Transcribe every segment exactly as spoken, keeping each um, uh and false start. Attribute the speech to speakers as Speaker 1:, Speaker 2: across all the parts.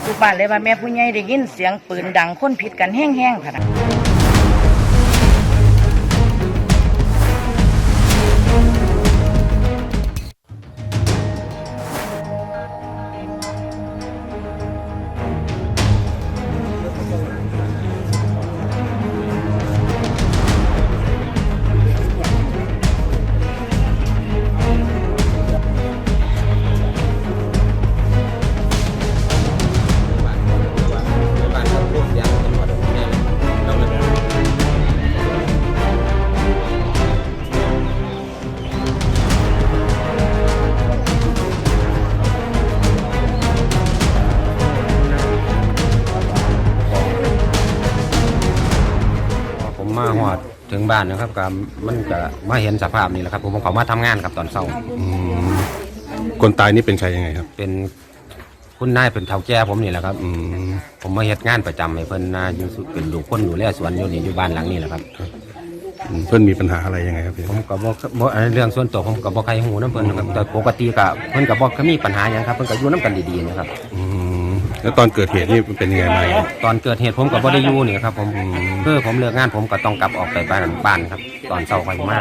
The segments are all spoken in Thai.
Speaker 1: ลูกบ้านเลยว่าแม่ผู้ใหญ่ได้ยินเสียงปืนดังคนผิดกันแห้งๆค่ะ
Speaker 2: มาหอดถึงบ้านนะครับก็มันก็มาเห็นสภาพนี่แหละครับผมเขามาทำงานครับตอนเช้า
Speaker 3: คนตายนี่เป็นใครยังไงครับ
Speaker 2: เป็นคุณนายเป็นเฒ่าแก่ผมนี่แหละครับผมมาเฮ็ดงานประจำให้เพิ่นนาอยู่เป็นอยู่คนดูแลสวนอยู่นี่อยู่บ้านหลังนี้แหละครับ
Speaker 3: เพิ่นมีปัญหาอะไรยังไงครับพี่
Speaker 2: ผมก็บ่บ่เรื่องส่วนตัวผมก็บ่ใครหูน้ำเพิ่นนะครับแต่ปกติก็เพิ่นก็บ่เคยมีปัญหาหยังครับเพิ่นก็อยู่น้ำกันดีๆนะครับ
Speaker 3: แล้วตอนเกิดเหตุนี่เป็นยังไงมา
Speaker 2: ตอนเกิดเหตุผมก็บ่ได้อยู่นี่ครับผมคือผมเลิกงานผมก็ต้องกลับออกไปบ้านบ้านครับตอนเช้าค่อยมา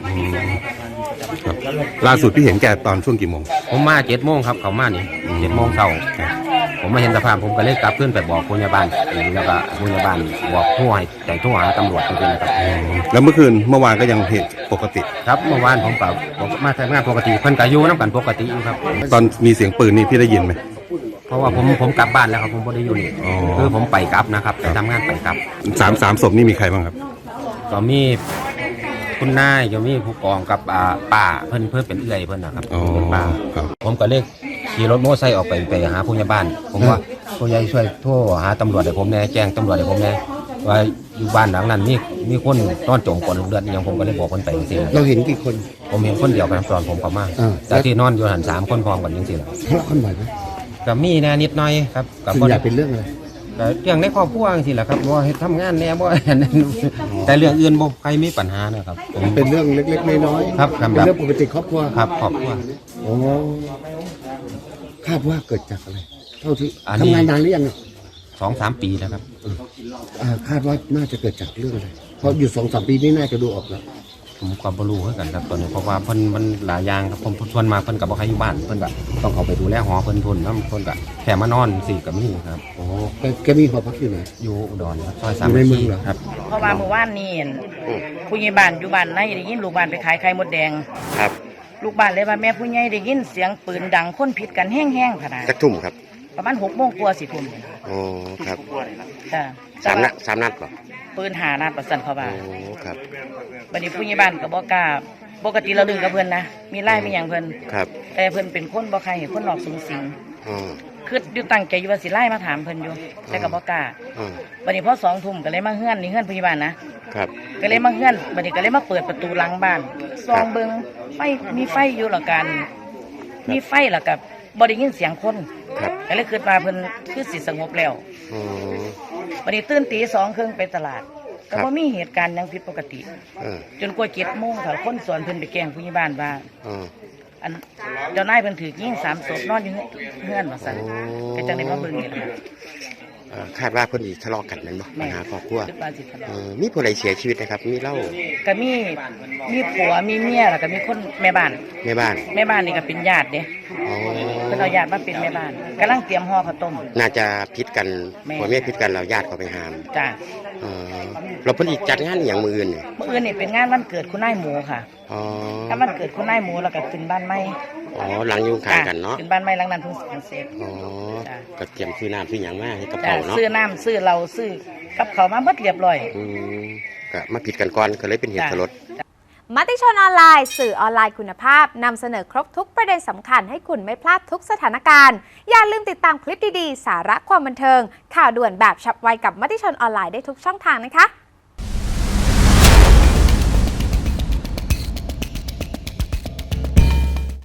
Speaker 3: ล่าสุดพี่เห็นแกตอนช่วงกี่โมง
Speaker 2: ผมมาเจ็ดโมงครับเขามานี่เจ็ดโมงเช้าผมมาเห็นสภาพผมก็เลยกลับขึ้นไปบอกผู้ใหญ่บ้านแล้วก็ผู้ใหญ่บ้านบอกผู้ให้แต่โทรหาตำรวจจริงๆนะครับ
Speaker 3: แล้วเมื่อคืนเมื่อวานก็ยังเหตุปกติ
Speaker 2: ครับเมื่อวานผมก็มาทำงานปกติเพิ่นก็อยู่น้ำกันปกติอยู่ครับ
Speaker 3: ตอนมีเสียงปืนนี่พี่ได้ยินไหม
Speaker 2: เพราะว่าผมผมกลับบ้านแล้วครับผมไม่ได้อยู่นี่คือผมไปกลับนะครับไปทำงานไปกลับ
Speaker 3: สามสามศพนี่มีใครบ้างครับ
Speaker 2: ก็มีคุณนายก็มีผู้กองกับป้าเพิ่นเพิ่นเป็นเอื้อยเพิ่นนะครับเป็นป้าผมก็เลยขี่รถมอเตอร์ไซค์ออกไปไปหาผู้ใหญ่บ้านผมว่าผู้ใหญ่ช่วยโทรหาตำรวจให้ผมแน่แจ้งตำรวจให้ผมแน่ว่าอยู่บ้านหลังนั้นมีมีคนนอนจมกองเลือดอย่างผมก็เลยบอกคนไปจริง
Speaker 4: เราเห็นกี่คน
Speaker 2: ผมเห็นคนเดียวกันตอนผมเข้ามาแต่ที่นอนอยู่หันสามคนพร้อมกันจริงๆแล้ว
Speaker 4: ทะเลาะกันบ่อยไหม
Speaker 2: ก็มีแน่นิดหน่อยครับ
Speaker 4: ก็ส่วนใหญ่เป็นเรื่องอะไร
Speaker 2: เรื่องในครอบครัวจริงๆแหละครับว่าทำงานแน่บ่แต่เรื่องอื่นบ่ใครมีปัญหานะครับ
Speaker 4: เป็นเรื่องเล็กๆน้อย
Speaker 2: ๆครับ
Speaker 4: เป็นเรื่องปกติครอบครัว
Speaker 2: ครับครอบครัว
Speaker 4: โอ้คาดว่าเกิดจากอะไรเท่าที่ทำงานนานหรือยัง
Speaker 2: สองสามปีแล้วครับ
Speaker 4: คาดว่าน่าจะเกิดจากเรื่องอะไรเพราะอยู่สองสามปีนี่น่าจะดูออกแล้ว
Speaker 2: ผมก็บ่รู้เหมือนกันครับตอนนี้เพราะว่าเพิ่นมันหลายอย่างครับผมชวนมาเพิ่นก็บ่ใครอยู่บ้านเพิ่นก็ต้องเข้าไปดูแลหอเพิ่นทุนนำเพิ่นก็แค่มานอนสิก็มีครับ
Speaker 4: โอ้แกมีหอพักอยู่ไหน
Speaker 2: อยู่อุดรครับซอยสาม
Speaker 4: ในเมืองเหรอ
Speaker 2: ครับ
Speaker 1: เพราะว่าเมื่อวานนี้ผู้ใหญ่บ้านอยู่บ้านไหนได้ยินลูกบ้านไปขายไข่มดแดง
Speaker 5: ครับ
Speaker 1: ลูกบ้านเลยว่าแม่ผู้ใหญ่ได้ยินเสียงปืนดังคนผิดกันแห้งๆขนาด
Speaker 5: สักทุ่มครับ
Speaker 1: ประมาณหกโมงกว่าสิทุ่ม
Speaker 5: โอ้ครับ
Speaker 1: จ้ะ
Speaker 5: สามนัดสามนัดป่ะ
Speaker 1: ปืนหานัดประสันเขาว่า
Speaker 5: โอ้ครับ
Speaker 1: วันนี้ผู้ใหญ่บ้านก็บอกกล้าปกติเราดึงกับเพื่อนนะมีไล่มีอย่างเพื่อน
Speaker 5: ครับ
Speaker 1: แต่เพื่อนเป็นคนบ่ใครเห็นคนหลอกสูงสิง
Speaker 5: อ๋อ
Speaker 1: คืออยู่ตั้งใจอยู่ว่าสิไล่มาถามเพื่อนอยู่แต่กับบอกกล้าวันนี้พอสองทุ่มก็เลยมาเฮือนนี่เฮือนผู้ใหญ่บ้านนะครับก็เลยมาเฮือนวันนี้ก็เลยมาเปิดประตูหลังบ้านซองเบิ้งไฟมีไฟอยู่หรอกันมีไฟหรอกับบริยินเสียงคนก็เลยคิดว่าเพิ่นคือสิสงบแล้ววันนี้ตื่นตีสองครึ่งไปตลาดก็บ่มีเหตุการณ์ยังผิดปกติจนกว่าเจ็ดโมงค่ะคนสวนเพิ่นไปแกล้งผู้ใหญ่บ้านว่าอันเจ้านายเพิ่นถือยิงสามศพนอนอยู่เฮือนว่าซั่นก็จังได้มาเบิ่งนี่ล่ะ
Speaker 5: คาดว่าเพิ่นสิทะเลาะกันแม่นบ่ปัญหาครอบครัวมีผู้ใดเสียชีวิตนะครับมีเล่า
Speaker 1: ก็มีมีผัวมีเมียแล้วก็มีคนแม่บ้าน
Speaker 5: แม่บ้าน
Speaker 1: แม่บ้านนี่ก็เป็นญาติเด้อ๋อเพิ่นเอาญาติมาเป็นแม่บ้านกำลังเตรียมห่อข้าวต้ม
Speaker 5: น่าจะพิษกันผัวเมียพิษกันแล้วญาติเขาไปหาม
Speaker 1: จ้ะ
Speaker 5: อ๋อเราเพิ่นอีกจัดงานอย่างมื้ออื่นนี่
Speaker 1: มื้ออื่นนี่เป็นงานวันเกิดคุณนายหมูค่ะ
Speaker 5: อ๋อ
Speaker 1: ถ้าวันเกิดคุณนายหมูแล้วก็ขึ้นบ้านใหม่
Speaker 5: อ๋อหลังอยู่ข้างกันเนาะ
Speaker 1: ขึ้นบ้านใหม่หลังนั้นเพิ่งเสร็จ
Speaker 5: อ๋อก็เตรียมซื้อน้ำซื้อหยังมาให้กระเป๋าเนาะ
Speaker 1: ซื้อน้ำซื้อเราซื้อกับเขามาเบิดเรียบร้อย
Speaker 5: อืมก็มาผิดกันก่อนก็เลยเป็นเหตุสลด
Speaker 6: มติชนออนไลน์สื่อออนไลน์คุณภาพนำเสนอครบทุกประเด็นสำคัญให้คุณไม่พลาดทุกสถานการณ์อย่าลืมติดตามคลิปดีๆสาระความบันเทิงข่าวด่วนแบบฉับไวกับมติชนออนไลน์ได้ทุกช่องทางนะคะ